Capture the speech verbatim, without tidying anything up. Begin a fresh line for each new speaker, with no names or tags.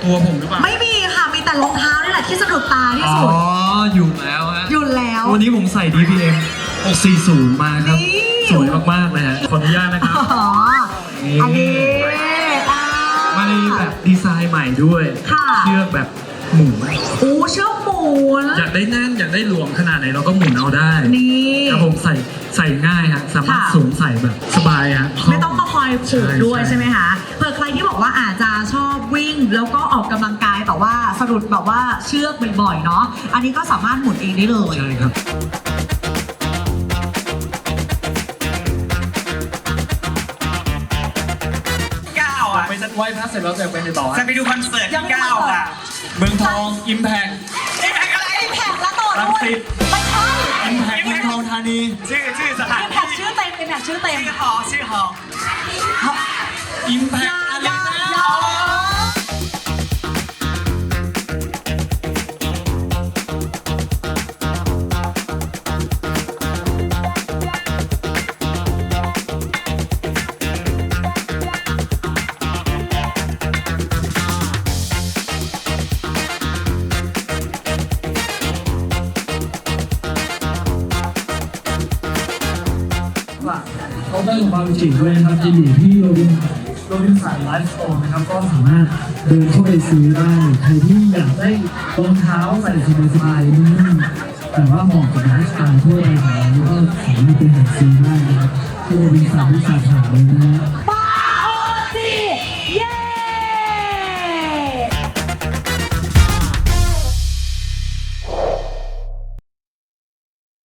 ตัวผมหรือเปล่า
ไม่มีค่ะมีแต่รองเท้านี่แหละที่สะดุดตาที่สุด
อ๋ออยู่แล้วฮะ
หยุดแล้ว
วันนี้ผมใส่ ดี พี เอ็ม หกสี่ศูนย์ มาครับสวยมากๆเลยฮะขออนุญาตนะครับ
อ๋ออันนี้
มาในแบบดีไซน์ใหม่ด้วยเชือกแบบหมุน
โอ้เชือกหมุน
อยากได้แน่นอยากได้หลวมขนาดไหนเราก็หมุนเอาได้
นี่
ครับผมใส่ใส่ง่ายฮะสามารถสวมใส่แบบสบายฮะ
ไม่ต้องมาคอยผูกด้วยใช่ไหมคะเผื่อใครที่บอกว่าอาจจะชอบวิ่งแล้วก็ออกกำลังกายแต่ว่าสะดุดแบบว่าเชือกบ่อยๆเนาะอันนี้ก็สามารถหมุนเองได้เลย
ใช่ครับไปไหว้พระเสร็จแล้วจะไปในต่อ
จะไปดูคอนเสิร์ตที่เก้าค่ะ
เมืองทองอิมแพค
อิมแพคอะไร
อิมแพคแล้วต่อด้วยไม่ใช่
อิมแพคเมืองทองธานี
ชื่อชื่อสถาน
อิมแพคชื่อเต็มอิมแพคชื่อเต็ม
ชื่อหอชื่อหอ
อิมแพคอะไรนะเขาได้ของความจริงด้วยนะครับจะอยู่ที่โรบินโรบินสันไลฟ์สโตร์นะครับก็สามารถเดินเข้าไปซื้อได้ใครที่อยากได้รองเท้าใส่สบายๆนุ่มๆแต่ว่าเหมาะกับไลฟ์สไตล์ทั่วไปของเราก็สามารถไปหาซื้อได้นะครับที่โรบินสันที่สาขาเลยนะ
ไป